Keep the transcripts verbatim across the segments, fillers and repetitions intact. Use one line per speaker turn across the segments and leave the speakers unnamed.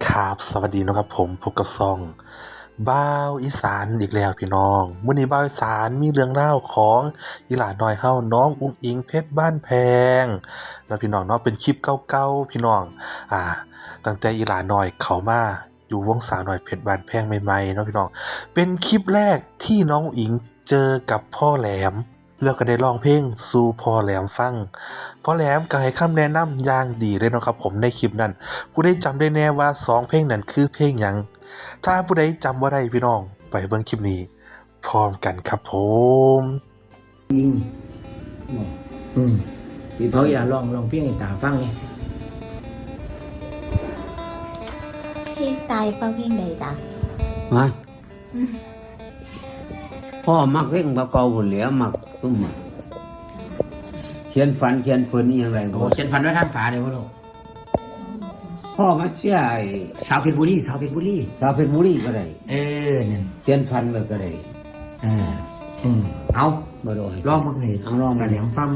ครับสวัสดีนะครับผมพบกับซองบ้าวอีสานอีกแล้วพี่น้องมื้อนี้บ้าวอีสานมีเรื่องเล่าวของอีหลาน้อยเฮาน้องอุ๋งอิงเพชรบ้านแพงแล้วพี่น้องเนาะเป็นคลิปเก่าๆพี่น้องอ่าตั้งแต่อีหลาน้อยเข้ามาอยู่วงสาวน้อยเพชรบ้านแพงใหม่ๆเนาะพี่น้องเป็นคลิปแรกที่น้องอุ๋งอิงเจอกับพ่อแหลมแล้วก็ได้ร้องเพลงสู่พ่อแหลมฟังพ่อแหลมก็ให้คำแนะนำอย่างดีเลยเนาะครับผมในคลิปนั้นผู้ใดจำได้แน่ว่าสองเพลงนั้นคือเพลงหยังถ้าผู้ใดจำบ่ได้พี่น้องไปเบิ่งคลิปนี้พร้อมกันครับผม
ยิงบอกอืมเขาอย่าลองลองเพียงให้ตาฟังไง
เพลงตายฟังเพลงใดจ้ะ
มาพ่อมักเพ่งพระเกาหุ่นเหลียมักซุ่มมักเขียนฝันเขียนฝืนนี่อย่างไร
โอ้เขียนฟันไว้ข้างฝาเลยพ่อลูก
พ่อมาเชื่อไอ้
สาวเพชรบุรีสาวเพชรบุรี
สาวเพชรบุรีก็ได้
เออเนี่ย
เขียนฝันไว้ก็ได้
อ่าอืมเอา
บ่ได้
ลองมึงเลย
เอาลองมา
แหลมฟัง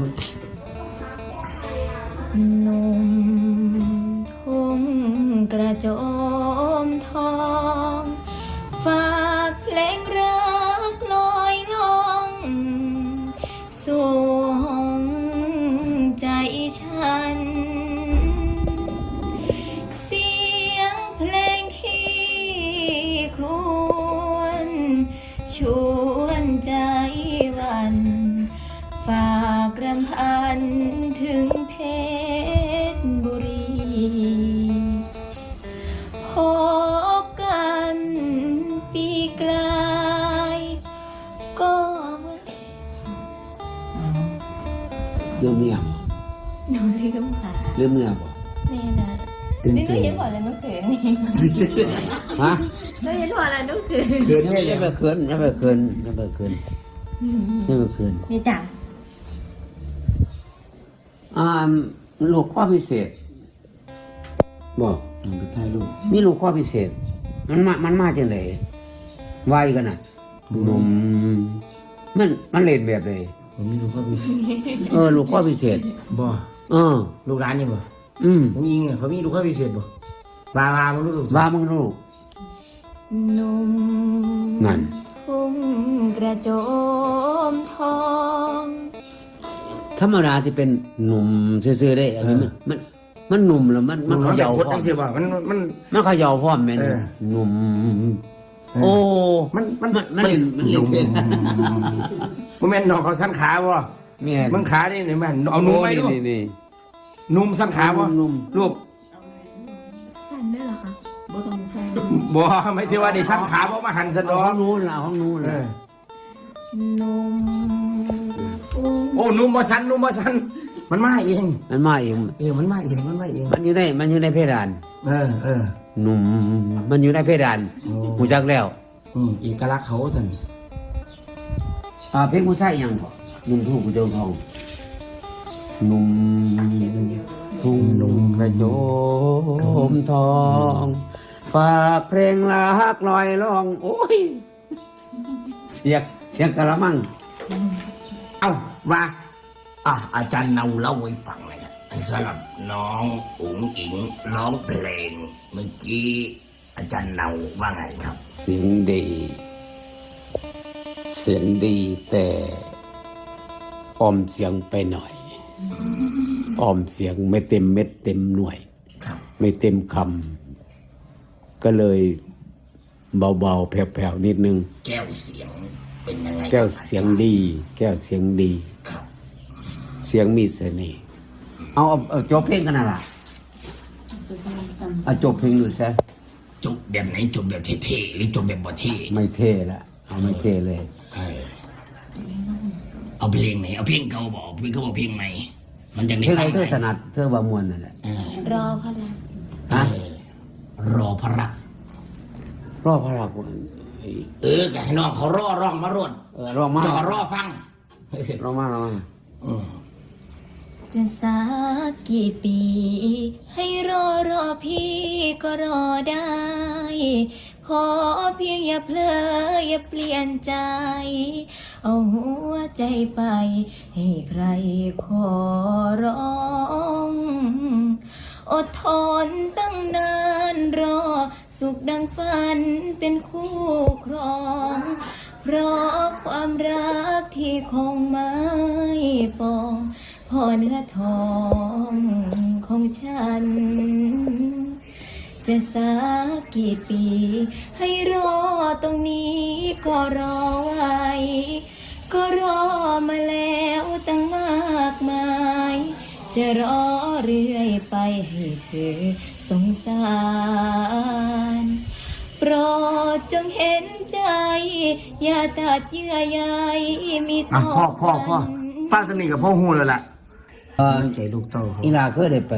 หนุ่มทุ่งกระโจมทองฝากเพลงรักลอยล่องสู่ห้องใจฉันเสียงเพลงที่ครวญชวนใจวันฝากรำพันถึงเพชรบุรีพบกันปีกลายก็
เรื่องเมียบ่
หนูลืมค่ะ
เรื่องเมียบ่
แม่นะนี่หนูยังบอกเลยเมื่อคืนนี่
ฮะ
หนูยังบอกเลยเมื่อคืน
เขินอย่าไปเขินอย่าไปเขินอย่าไปเขินอย่าไปเขิน
นี่จ้ะ
อ่าลูกข้อพิเศษบอก
ไปถ่ายรูป
มีลูกข้อพิเศษมันมามันมาจังได๋ไวกันน่ะนมมันมันเล่นแบบใด
ผมมีลูกข้อพิเศษ
เออลูกข้อพิเศษ
บ่
เออ
ลูกร้านยังบ่
อืม
ผมยิงเขามีลูกข้อพิเศษบ่วาวามึงรู้
ว่ามึงรู้
หนุ่ม
นั่น
ทุ่งกระโจมทอง
ธรรมดาที่เป็นหนุ่มซื่อๆได้อันนี้มันมันหนุ่มแล้วมันมันเขย่าพร้อม
มันมัน
มันเขย่าพร้อมแม่นหนุ่มโอ้
มันมัน
มันเล่นมันเล่นเป็น
บ่แม่นน้องเขาสั้นขาบ่
แม่น
มึงขานี่นี่แม่นเอานุ่มไหมลูก
นี่
ๆนุ่มสั้นขาบ่ลูก
สั้นได้เหรอคะบ่ต้องแฟน
บ่ไม่ที่ว่าได้สั้นขาบ่มาหั่นซะดอก
ห้องนู้นล่ะห้องนู้นล่ะ
นุ่ม
โอ้นุ่มบ่สั้นนุ่มบ่สั้นมันมาเอง
มันมาเอง
เออมันมาเองมันมาเอง
มันอยู่ในมันอยู่ในเพดาน
เออเออ
หนุ่มมันอยู่ในเพดานหูจักแล้ว
อืมเอกลักษณ์เขาซั่น
อ่าเพลงผู้ชายยังบ่หนุ่มทุ่งกระโจมทองหนุ่มทุ่งนุ่มกระโจมทองฝากเพลงรักลอยล่องโอ้ยเสียงเสียงกะละมัง
เอ้าว่าอ่ะอาจารย์เนาเล่าให้ฟังเลยนะสำหรับน้องอุ๋งอิงร้องเพลงเมื่อกี้อาจารย์เนาว่าไงครับ
เสียงดีเสียงดีแต่ออมเสียงไปหน่อยออมเสียงไม่เต็มเม็ดเต็มหน่วยไม่เต็มคำก็เลยเบาๆแผ่วๆนิดนึง
แก้วเสียงเป็นยังไง
แก้วเสียงดีแก้วเสียงดีเสียงมีเสน่ห์เอาเอาจบเพลงกันน่ะล่ะเอาจบเพลงดูซะ
จบแบบไหนจบแบบเท่ๆหรือจบแบบบ่เท่
ไม่เท่ละเอาไม่เท่เลย
เอาเพลงไหนเอาเพลงเก่าบอกเพลงเขาบอกเพลงใหม่มันจะ
ได้เพลงไหนเธอถนัดเธอว่ามวนนั่นแหละ
รอพระรัก
ฮะ
รอพระรัก
รอพระรัก
เออแกให้น้องเขารอร้องมารด
เออร้องมา
จะรอฟัง
ร้องมาร้องมา
จะสักกี่ปีให้รอรอพี่ก็รอได้ขอเพียงอย่าเพลออย่าเปลี่ยนใจเอาหัวใจไปให้ใครขอร้อง อดทนตั้งนานรอสุขดังฝันเป็นคู่ครอง เพราะความรักที่คงไม่ปองพ่อเนื้อทองของฉัน จะสักกี่ปีให้รอตรงนี้ก็รอไว้ ก็รอมาแล้วตั้งมากมาย จะรอเรื่อยไปให้เธอสงสาร โปรดจงเห็นใจ อย่าตัดเยื่อใยมี
อ่ะ
ต่อ
พ่อพ่อพ่อ
กัน
ฟังสนิทกับพ่อฮู้แล้วล่ะ
เอ่อ
ใจลูกเต้าเขา
อีลาเคยได้ไป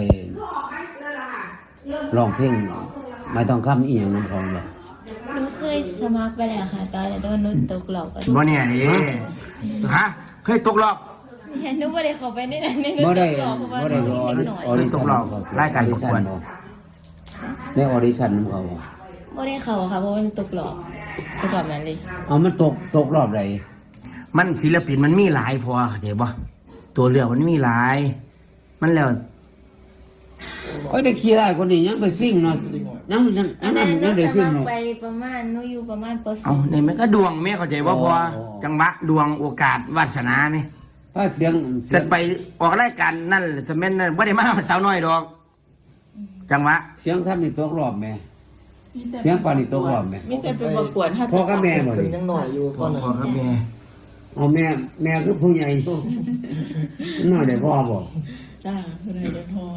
ร้องเพลงไม่ต้องคำอีหยังน้ำของบ่
หนูเคยสมัครไปแล้วค่ะตอนแต่ว่าหนูตกหลอกกัน
บ่เนี่ยนี่ฮะเคยตกรอบ
เนี่ยหนูไม่ได้เข้าไปในนั้นในหนู
บ่ได้
ตกหลอกเพราะว่า
บ่ได้
หนู
รอ
นิดหน่อย
ออดิ
ต
ชั่
ก
น
รอบรายการประกวด
ในออดิชั่นของเขาบ่
ไม่ได้เข้าค่ะเพราะว่ามันตกหลอกตกแบบนั้นเลย
เอามันตกตกรอบใด
มันศิลปินมันมีหลายพอเดี๋ยวบ่ตัวเลือกมันมีหลาย มันแล้ว
โอ้ยแต่ขี้ได้คนนี้ยังไปซิ่งเนาะยังยัง
อั
ยัง
นนั้นหนู
ยังได้
ส
ซิ่ง
มัคร
เนาะ
ไปประมาณหนูอยู่ประมาณป
เอา
.สี่
ในมันก็ดวงแม่เข้าใจว่าพอ
อ๋อ
จังหวะดวงโอกาสวาสนานี่
ถ้าเสียง
เสร็จไปออกรายการนั่นสมัยนั้นบ่ได้มาสาวน้อยดอก จังหวะ
เสียงซ้ำนี่ตกรอบแม่เสียงปานนี่ตกรอบแม่
มีแต่ไปประกวดฮัต
พ่อกับแม่บ่
เป็น
นี่
ยังหน่อยอยู่
พ่อ
ก่อน
พ่อกับแม่
เอาแม่แม่คือผู้ใหญ่น้อยได้พ่อบ่
จ้าคุณนายเดนพอ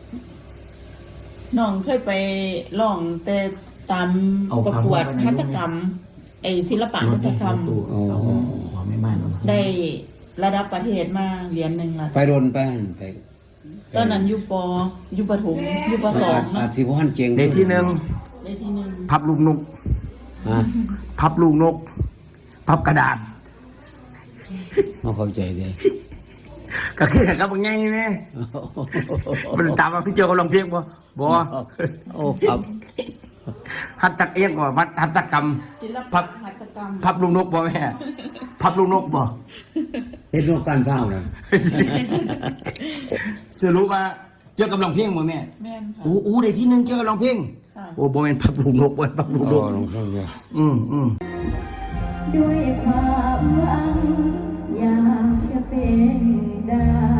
น้องเคยไปร้องแต่ตามประกวดหัตถกรรม ไอศิลปะหัตถกรรม
อ๋อ
พ่อไม่มาเนาะ
ได้ระดับประเทศมาเหรียญหนึ่งละ
ไปโดนไปหั่นไป
ตอนนั้นอยู่ปอยู่ประถมอยู่ประสอง
อา
เนาะ
จสิบ่ทันเก่ง
ในที่หนึ่ง
ได้ที่หนึ่ง
พับลูกนก
ฮะ
พับลูกนก พับกระดาษ
บ่เข้าใจเด้
ก็คือกับบางไงแม่มันตามมาพี่เจ้าก็ลองเพียงบ่บ่
โอ้ครับ
หัตถกเอียงก่อนวัดหัตถกรรม
ศิล
พั
ปะ
บ
หัตถกรรม
พับลูกนกบ่แม่พับลูกนกบ่
เฮ็ดโรงการเผาน่ะ
สรุปว่าเกี่ยวกับลองเพียงบ่แม่
แม่นค่ะ
อู้อู้ได้ที่หนึงเกี่ยวกับลองเพียง
ค่ะ
โอ้บ่แม่นพับลูกนกบ่พับลูกน
โอ้
ก
ลงเครื่องเดียว
อืมอืม
ด้วยความหวังอยากจะเป็นดาว